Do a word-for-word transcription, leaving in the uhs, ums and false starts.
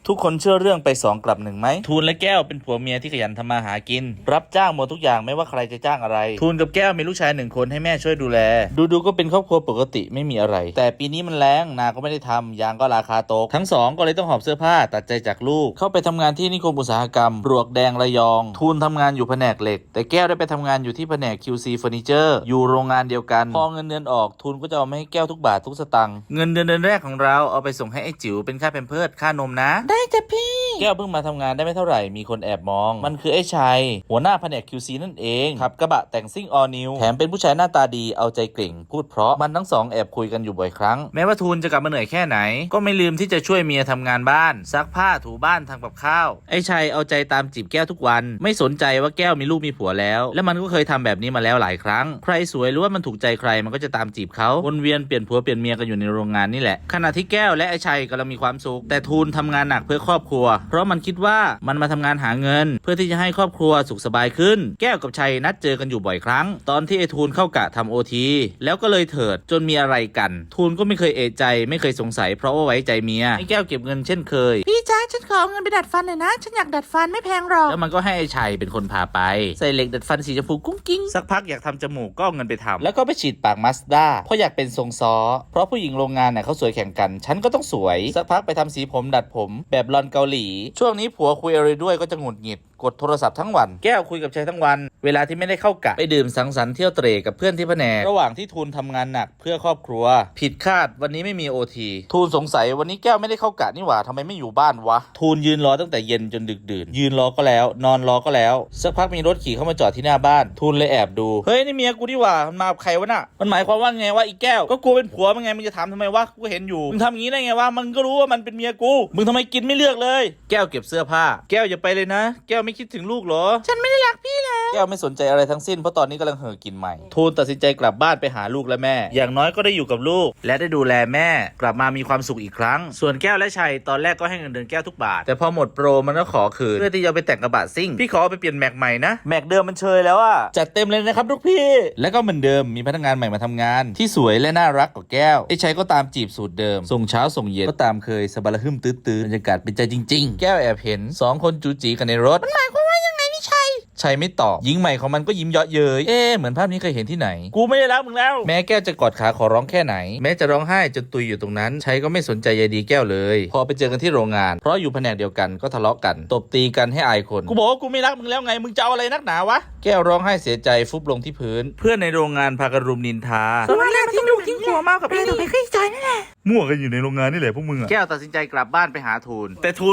ทุกคนเชื่อเรื่องไปสองกลับหนึ่งไหมทูนและแก้วเป็นผัวเมียที่ขยันทำมาหากินรับจ้างหมดทุกอย่างไม่ว่าใครจะจ้างอะไรทูนกับแก้วมีลูกชายหนึ่งคนให้แม่ช่วยดูแลดูดูก็เป็นครอบครัวปกติไม่มีอะไรแต่ปีนี้มันแล้งนาก็ไม่ได้ทำยางก็ราคาตกทั้งสองก็เลยต้องหอบเสื้อผ้าตัดใจจากลูกเข้าไปทำงานที่นิคมอุตสาหกรรมปลวกแดงระยองทูนทำงานอยู่แผนกเหล็กแต่แก้วได้ไปทำงานอยู่ที่แผนก คิว ซี เฟอร์นิเจอร์อยู่โรงงานเดียวกันพอเงินเดือนออกทูนก็จะเอามาให้แก้วทุกบาททุกสตางค์เงินเดือนเดือนแรกของเราเอาไปส่งให้ไอ้จิ๋วเป็นค่าแพมเพิร์สค่านมนะได้จ้ะพี่แก้วเพิ่งมาทำงานได้ไม่เท่าไหร่มีคนแอบมองมันคือไอ้ชัยหัวหน้าแผนก คิว ซี นั่นเองขับกระบะแต่งซิ่งออลนิวแถมเป็นผู้ชายหน้าตาดีเอาใจเก่งพูดเพราะมันทั้งสองแอบคุยกันอยู่บ่อยครั้งแม้ว่าทูนจะกลับมาเหนื่อยแค่ไหนก็ไม่ลืมที่จะช่วยเมียทำงานบ้านซักผ้าถูบ้านทำกับข้าวไอ้ชัยเอาใจตามจีบแก้วทุกวันไม่สนใจว่าแก้วมีลูกมีผัวแล้วและมันก็เคยทำแบบนี้มาแล้วหลายครั้งใครสวยหรือว่ามันถูกใจใครมันก็จะตามจีบเขาวนเวียนเปลี่ยนผัวเปลี่ยนเมียกันอยู่ในโรงงานนี่แหละขณะที่แก้วและไอ้ชัยกำลังมีความสุขแต่ทูนทำงานหนักเพื่อครอบครัวเพราะมันคิดว่ามันมาทำงานหาเงินเพื่อที่จะให้ครอบครัวสุขสบายขึ้นแก้วกับชัยนัดเจอกันอยู่บ่อยครั้งตอนที่ไอ้ทูนเข้ากะทำโอทีแล้วก็เลยเถิดจนมีอะไรกันทูนก็ไม่เคยเอะใจไม่เคยสงสัยเพราะว่าไว้ใจเมียไอ้แก้วเก็บเงินเช่นเคยพี่จ๊ะฉันขอเงินไปดัดฟันหน่อยนะฉันอยากดัดฟันไม่แพงหรอกแล้วมันก็ให้ไอ้ชัยเป็นคนพาไปใส่เหล็กดัดฟันสีชมพูกุ้งกิ้งสักพักอยากทำจมูกก็เอาเงินไปทำแล้วก็ไปฉีดปากมาสด้าเพราะอยากเป็นทรงซ้อเพราะผู้หญิงโรงงานเนี่ยเขาสวยแข่งกันฉันก็ต้องสวยสักพักไปทำสีผมดัดผมแบบลอนเกาหลีช่วงนี้ผัวคุยอะไรด้วยก็จะหงุดหงิดกดโทรศัพท์ทั้งวันแก้วคุยกับชัยทั้งวันเวลาที่ไม่ได้เข้ากะไปดื่มสังสรรค์เที่ยวเตร่กับเพื่อนที่แผนกระหว่างที่ทูนทำงานหนักเพื่อครอบครัวผิดคาดวันนี้ไม่มีโอทีทูนสงสัยวันนี้แก้วไม่ได้เข้ากะนี่หว่าทำไมไม่อยู่บ้านวะทูนยืนรอตั้งแต่เย็นจนดึกดื่นยืนรอก็แล้วนอนรอก็แล้วสักพักมีรถขี่เข้ามาจอดที่หน้าบ้านทูนเลยแอบดูเฮ้ยนี่เมียกูนี่หว่ามันมากับใครวะน่ะมันหมายความว่าไงวะอีแก้วก็กูเป็นผัวมันไงมึงจะถามทำไมวะกูเห็นอยู่มึงทำอย่างนี้ได้ไงวะมันก็รู้ว่ามันเป็นเมียกูมึงทำไมกินไม่เลือกเลยแก้วเก็บเสื้อผ้าแก้วอย่าไปเลยนะแก้วไม่คิดถึงลูกเหรอฉันไม่ได้รักพี่แล้วแก้วไม่สนใจอะไรทั้งสิ้นเพราะตอนนี้กำลังเห่อกินใหม่ทูนตัดสินใจกลับบ้านไปหาลูกและแม่อย่างน้อยก็ได้อยู่กับลูกและได้ดูแลแม่กลับมามีความสุขอีกครั้งส่วนแก้วและชัยตอนแรกก็ให้เงินเดือนแก้วทุกบาทแต่พอหมดโปรมันก็ขอคืนเพื่อที่จะไปแต่งกระบะซิ่งพี่ขอเอาไปเปลี่ยนแม็กใหม่นะแม็กเดิมมันเชยแล้วอะจัดเต็มเลยนะครับลูกพี่แล้วก็เหมือนเดิมมีพนักงานใหม่มาทำงานที่สวยและน่ารักกว่าแก้วไอ้ชัยก็ตามจีบสูตรเดิมส่งเช้าส่งเย็นก็ตามเคยสบายละหึ่มตื้อๆบรรยากาศเป็นใจจริงๆแก้วแอบเห็นสองคนจูจีกันในรถมันหมายความว่ายังไงนี่ชัยชัยไม่ตอบหญิงใหม่ของมันก็ยิ้มเยาะเย้ยเอ๊ะเหมือนภาพนี้เคยเห็นที่ไหนกูไม่ได้รักมึงแล้วแม้แก้วจะกอดขาขอร้องแค่ไหนแม้จะร้องไห้จนตุยอยู่ตรงนั้นชัยก็ไม่สนใจใยดีแก้วเลยพอไปเจอกันที่โรงงานเพราะอยู่แผนกเดียวกันก็ทะเลาะกันตบตีกันให้อายคนกูบอกว่ากูไม่รักมึงแล้วไงมึงจะเอาอะไรนักหนาวะแก้วร้องไห้เสียใจฟุบลงที่พื้นเพื่อนในโรงงานพากันรุมนินทาสวัสดีทิ้งลูกทิ้งหัวมากับพี่ถูกไปขึ้นใจนั่นแหละมั่วกันอยู่ในโรงงานนี่แหละพวกมึงอะแก้วตัดสินใจกลับบ้านไปหาทูนแต่ทูน